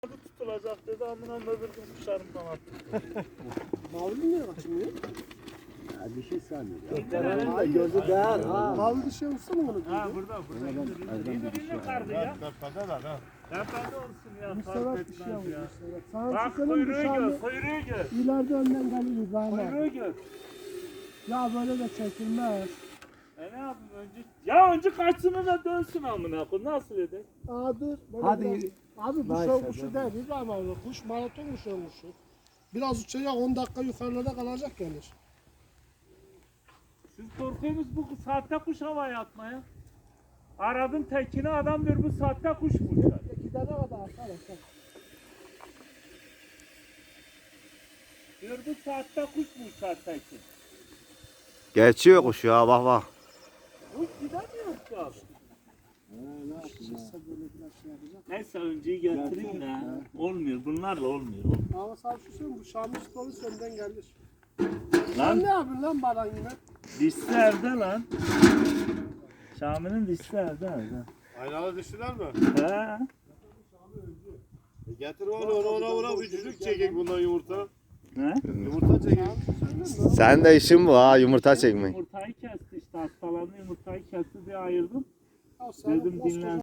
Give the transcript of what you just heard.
tutulacak dedi, amına öbür gün kuşlarımdan attı. Mavi niye kaçmıyor? Ya bir şey sanmıyor. Ha, Gözü değer ha. Mavi bir şey olsa mı onu? Ha burada. İyi yukarıda ya. Tepede var ha. Tepede olsun ya. Müstevet bir şey olmuş. Sana Bak çıkalım kuyruğu dışarıda. gör, kuyruğu gör. İleride önden gelir İbrahim abi. Kuyruğu gör. Ya böyle de çekilmez. Ne yapayım önce? Ya önce kaçsın da dönsün amına koyayım. Nasıl edek? Aa dur. Böyle Hadi. biraz- Abi bu Neyse, şov kuşu dur. değil İbrahim abi. Kuş maraton mu şov kuşu? Biraz uçacak 10 dakika yukarıda kalacak gelir. Siz korkuyorsunuz bu saatte kuş havaya atmaya. Aradım tekini adam diyor bu saatte kuş mu uçar? Gidene kadar atar atar. Diyor bu saatte kuş mu uçar tekin? Geçiyor kuş ya bak bak. Kuş gidemiyor ki abi. Çıksa böyle biraz şey yapacak. Neyse önceyi getireyim de. Olmuyor bunlarla olmuyor. Ama sağ şu söyleyeyim bu Şamil polis önden gelir. Sen Lan ne yapıyorsun lan bana yine? dişli evde lan. Şami'nin dişli evde. Aynalı düştüler mi? He. Getir ona üçlük çekek bundan yumurta. Ne? Yumurta çekek. Sen de işin bu ha yumurta çekmek. Yumurtayı kesti işte hastalandı yumurtayı kesti diye ayırdım. Ya sen Dedim koskoca dinlen.